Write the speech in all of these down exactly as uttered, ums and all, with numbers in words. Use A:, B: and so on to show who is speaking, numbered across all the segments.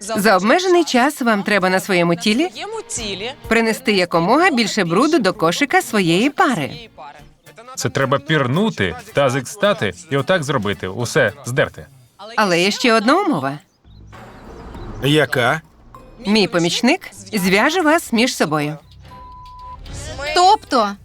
A: За обмежений час вам треба на своєму тілі принести якомога більше бруду до кошика своєї пари.
B: Це треба пірнути, тазик стати і отак зробити. Усе здерти.
A: Але є ще одна умова.
C: Яка?
A: Мій помічник зв'яже вас між собою.
D: Тобто?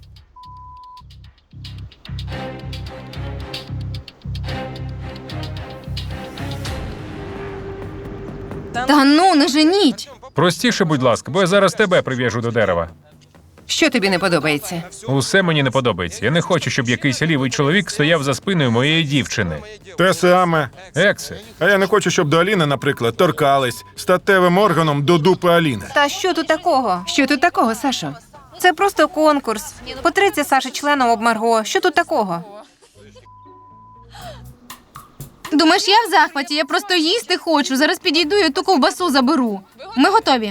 D: Та ну, не женіть.
B: Простіше, будь ласка, бо я зараз тебе прив'яжу до дерева.
A: Що тобі не подобається?
B: Усе мені не подобається. Я не хочу, щоб якийсь лівий чоловік стояв за спиною моєї дівчини.
C: Те саме.
B: Ексе,
C: А я не хочу, щоб до Аліни, наприклад, торкались статевим органом до дупи Аліни.
E: Та що тут такого?
A: Що тут такого, Сашо?
E: Це просто конкурс. Потриться Саші членом об Марго. Що тут такого?
D: Думаєш, я в захваті, я просто їсти хочу. Зараз підійду і ту ковбасу заберу. Ми готові.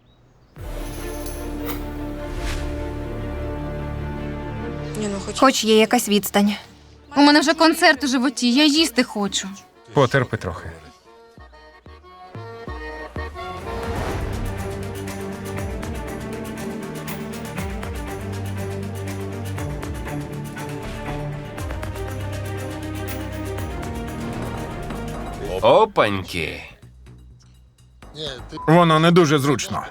E: Хоч є якась відстань.
D: У мене вже концерт у животі, я їсти хочу.
B: потерпи трохи.
F: Опаньки.
C: Воно не дуже зручно.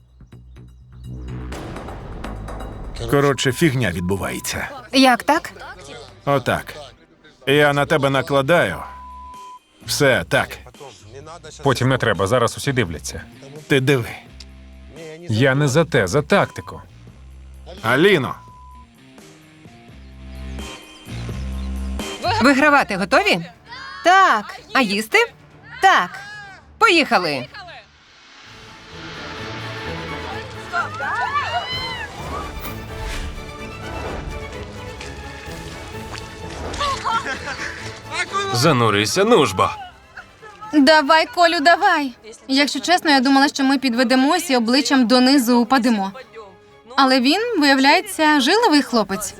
C: Коротше, фігня відбувається.
E: Як так?
C: Отак. Я на тебе накладаю. Все, так.
B: Потім не треба, зараз усі дивляться.
C: Ти диви.
B: Я не за те, за тактику.
C: Аліно,
A: Вигравати готові?
E: Так,
A: А їсти?
E: так.
A: Поїхали!
F: Занурися, нужбо.
D: Давай, Колю, давай. Якщо чесно, я думала, що ми підведемось і обличчям донизу упадемо. Але він, виявляється, жиловий хлопець.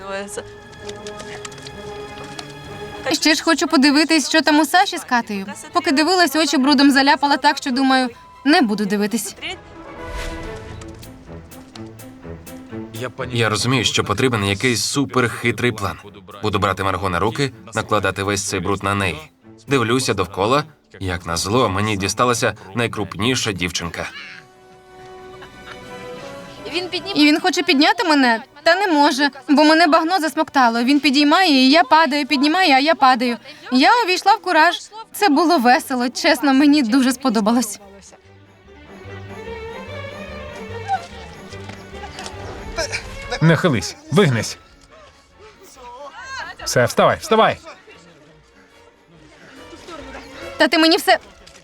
D: Ще ж хочу подивитись, що там у Саші з Катею. Поки дивилась, очі брудом заляпала так, що думаю, не буду дивитись.
F: Я розумію, що потрібен якийсь суперхитрий план. Буду брати Марго на руки, накладати весь цей бруд на неї. Дивлюся довкола. Як назло, мені дісталася найкрупніша дівчинка.
D: І він хоче підняти мене, та не може, бо мене багно засмоктало. Він підіймає, і я падаю, піднімає, а я падаю. Я увійшла в кураж. Це було весело, чесно, мені дуже сподобалось.
B: Нахились, вигнись. Все, вставай, вставай.
D: Та ти мені все...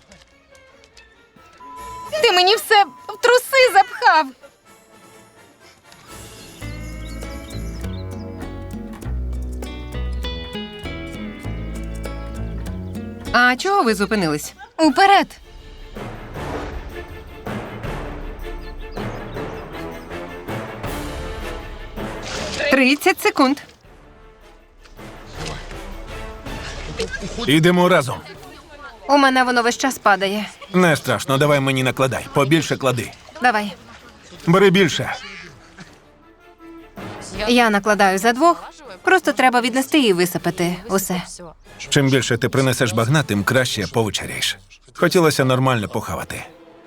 D: Ти мені все в труси запхав.
A: А чого ви зупинились?
D: Уперед.
A: тридцять секунд.
C: ідемо разом.
E: У мене воно весь час падає.
C: Не страшно, давай мені накладай. Побільше клади.
E: Давай.
C: Бери більше.
E: Я накладаю за двох. Просто треба віднести і висипати усе.
C: Чим більше ти принесеш багна, тим краще повечеряєш. Хотілося нормально похавати.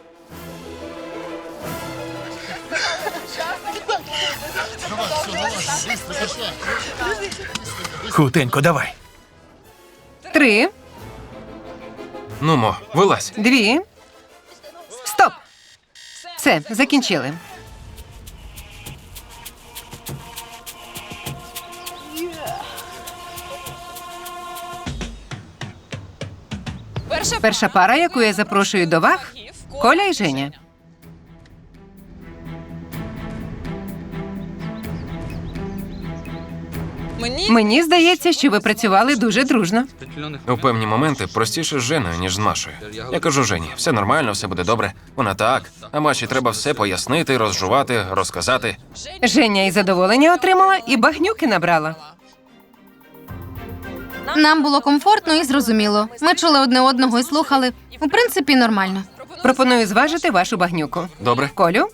C: Хутенько, давай.
A: Три,
F: Нумо, вилазь.
A: дві. Стоп! Все, закінчили. Перша пара, яку я запрошую до ваг – Коля і Женя. Мені здається, що ви працювали дуже дружно.
F: У певні моменти простіше з Женою, ніж з Машою. Я кажу Жені, все нормально, все буде добре. Вона так. А Маші треба все пояснити, розжувати, розказати.
A: Женя і задоволення отримала, і багнюки набрала.
D: Нам було комфортно і зрозуміло. Ми чули одне одного і слухали. У принципі, нормально.
A: Пропоную зважити вашу багнюку.
F: Добре.
A: Колю,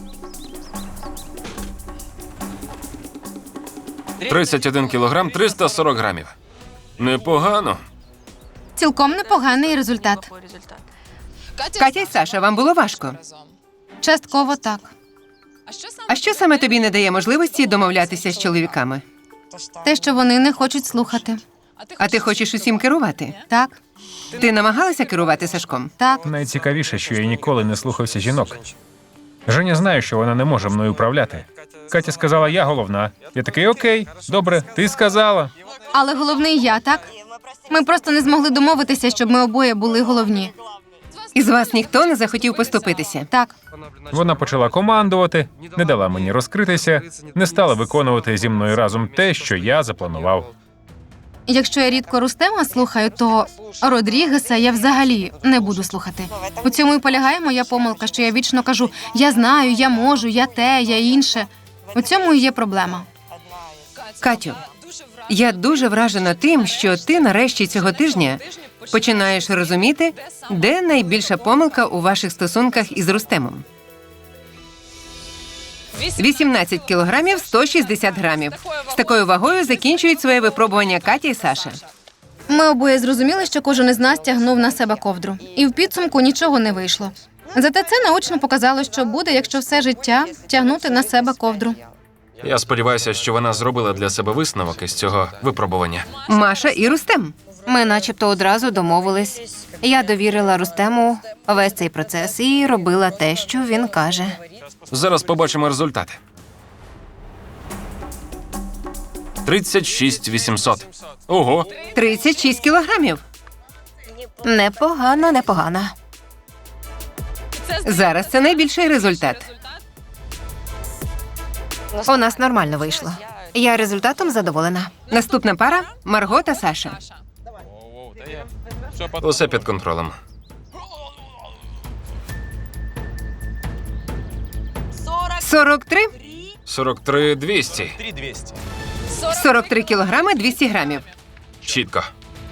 F: тридцять один кілограм, триста сорок грамів. Непогано.
D: Цілком непоганий результат.
A: Катя й Саша, вам було важко.
D: Частково так.
A: А що саме тобі не дає можливості домовлятися з чоловіками?
D: Те, що вони не хочуть слухати.
A: А ти хочеш усім керувати?
D: Так,
A: Ти намагалася керувати Сашком?
D: так.
B: Найцікавіше, що я ніколи не слухався жінок. Женя знає, що вона не може мною управляти. Катя сказала, я головна. Я такий, окей, добре, ти сказала.
D: Але головний я, так? Ми просто не змогли домовитися, щоб ми обоє були головні.
A: Із вас ніхто не захотів поступитися.
D: Так.
B: Вона почала командувати, не дала мені розкритися, не стала виконувати зі мною разом те, що я запланував.
D: Якщо я рідко Рустема слухаю, то Родрігеса я взагалі не буду слухати. У цьому і полягає моя помилка, що я вічно кажу: я знаю, я можу, я те, я інше. У цьому і є проблема.
A: Катю, я дуже вражена тим, що ти нарешті цього тижня починаєш розуміти, де найбільша помилка у ваших стосунках із Рустемом. вісімнадцять кілограмів, сто шістдесят грамів. З такою вагою закінчують своє випробування Катя і Саша.
D: Ми обоє зрозуміли, що кожен із нас тягнув на себе ковдру. І в підсумку нічого не вийшло. Зате це наочно показало, що буде, якщо все життя тягнути на себе ковдру.
F: Я сподіваюся, що вона зробила для себе висновок із цього випробування.
A: Маша і Рустем.
E: Ми начебто одразу домовились. Я довірила Рустему весь цей процес і робила те, що він каже.
F: Зараз побачимо результати. тридцять шість вісімсот. Ого,
A: тридцять шість кілограмів.
E: Непогано, непогано.
A: Зараз це найбільший результат.
E: У нас нормально вийшло. Я результатом задоволена.
A: Наступна пара – Марго та Саша.
F: усе під контролем.
A: сорок три.
F: сорок три двісті.
A: сорок три кілограми, двісті грамів.
F: Чітко.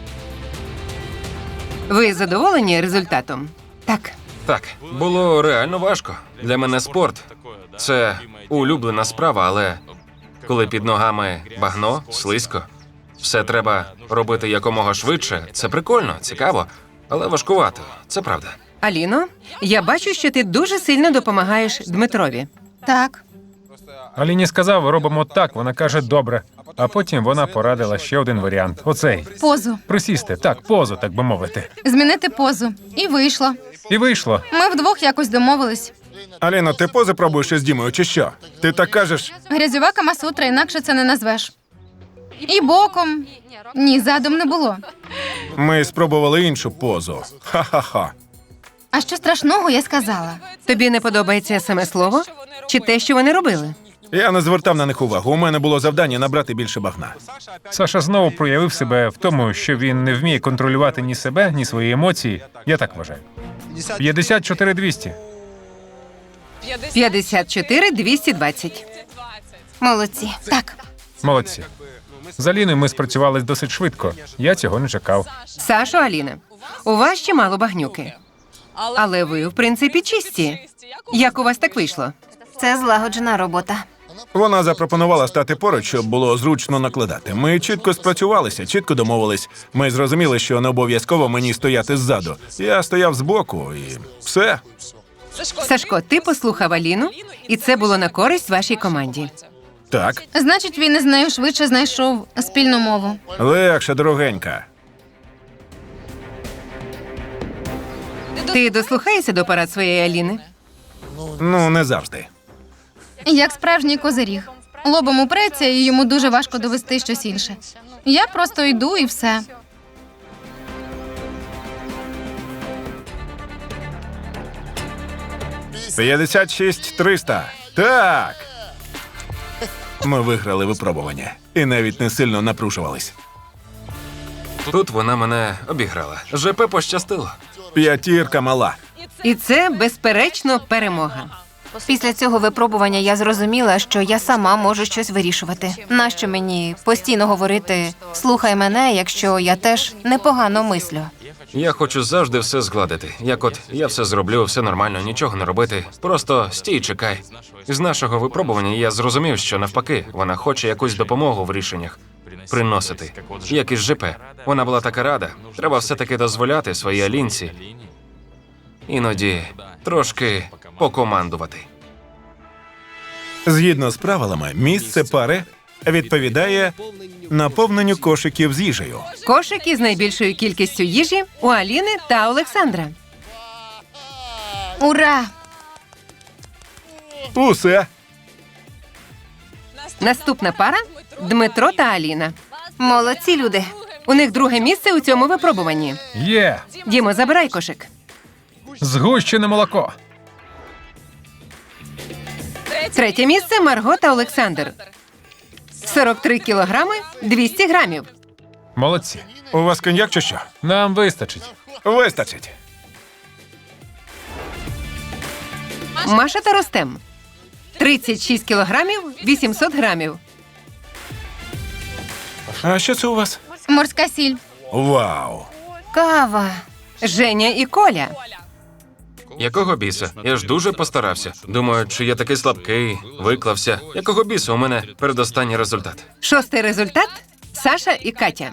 A: Ви задоволені результатом? Так.
F: Так, було реально важко. Для мене спорт – це улюблена справа, але коли під ногами багно, слизько, все треба робити якомога швидше. Це прикольно, цікаво, але важкувато. Це правда.
A: Аліно, я бачу, що ти дуже сильно допомагаєш Дмитрові.
D: Так.
B: Аліні сказав, робимо так, вона каже, добре. А потім вона порадила ще один варіант. Оцей.
D: Позу.
B: Присісти, так, позу, так би мовити.
D: Змінити позу. І вийшло.
B: І вийшло.
D: Ми вдвох якось домовились.
C: Аліно, ти пози пробуєш із Дімою, чи що? Ти так кажеш?
D: Грязьова камасутра, інакше це не назвеш. І боком. Ні, задом не було.
C: Ми спробували іншу позу. Ха-ха-ха.
D: А що страшного, я сказала.
A: Тобі не подобається саме слово? Чи те, що вони робили?
C: Я не звертав на них увагу. У мене було завдання набрати більше багна.
B: Саша знову проявив себе в тому, що він не вміє контролювати ні себе, ні свої емоції. Я так вважаю. п'ятдесят чотири двісті.
A: п'ятдесят чотири двісті двадцять.
E: Молодці.
D: Так.
B: Молодці. З Аліною ми спрацювали досить швидко. Я цього не чекав.
A: Сашо, Аліна, у вас ще мало багнюки. Але ви, в принципі, чисті. Як у вас так вийшло?
E: Це злагоджена робота.
C: Вона запропонувала стати поруч, щоб було зручно накладати. Ми чітко спрацювалися, чітко домовились. Ми зрозуміли, що не обов'язково мені стояти ззаду. Я стояв збоку і все.
A: Сашко, ти послухав Аліну, і це було на користь вашій команді.
C: Так,
D: Значить, він із нею швидше знайшов спільну мову.
C: легше, дорогенька.
A: Ти дослухаєшся до порад своєї Аліни?
C: Ну, не завжди.
D: Як справжній козиріг. Лобом упреться, і йому дуже важко довести щось інше. Я просто йду і все.
C: п'ятдесят шість триста. Так. Ми виграли випробування. І навіть не сильно напружувались.
F: Тут вона мене обіграла. ЖП пощастило.
C: П'ятірка мала.
A: І це, безперечно, перемога.
E: Після цього випробування я зрозуміла, що я сама можу щось вирішувати. Нащо мені постійно говорити «слухай мене», якщо я теж непогано мислю?
F: Я хочу завжди все згладити. Як от я все зроблю, все нормально, нічого не робити. Просто стій, і чекай. З нашого випробування я зрозумів, що навпаки, вона хоче якусь допомогу в рішеннях приносити. Як із ЖП. Вона була така рада. Треба все-таки дозволяти своїй Алінці іноді трошки покомандувати.
C: Згідно з правилами, місце пари відповідає наповненню кошиків з їжею.
A: Кошик із найбільшою кількістю їжі у Аліни та Олександра.
D: Ура!
C: Усе.
A: Наступна пара Дмитро та Аліна.
E: Молодці люди.
A: У них друге місце у цьому випробуванні.
B: Є!
A: Дімо, забирай кошик.
B: Згущене молоко.
A: Третє місце Марго та Олександр. сорок три кілограми, двісті грамів.
B: Молодці.
C: У вас коньяк чи що?
B: Нам вистачить.
C: Вистачить.
A: Маша та Ростем. тридцять шість кілограмів, вісімсот грамів.
C: А що це у вас?
D: Морська сіль.
C: Вау!
E: Кава.
A: Женя і Коля.
F: Якого біса? Я ж дуже постарався. Думаю, чи я такий слабкий, виклався. Якого біса у мене передостанній результат?
A: Шостий результат Саша і Катя.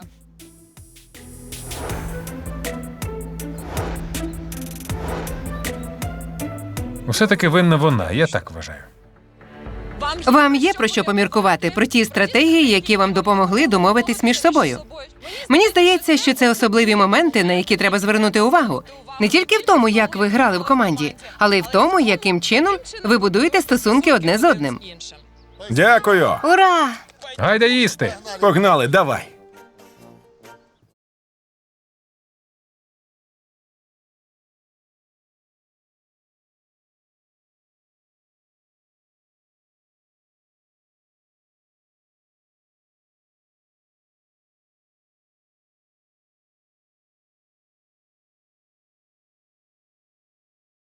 B: Усе-таки винна вона, я так вважаю.
A: Вам є про що поміркувати про ті стратегії, які вам допомогли домовитись між собою. Мені здається, що це особливі моменти, на які треба звернути увагу. Не тільки в тому, як ви грали в команді, але й в тому, яким чином ви будуєте стосунки одне з одним.
C: Дякую.
E: Ура!
B: Гайда їсти!
C: Погнали, давай.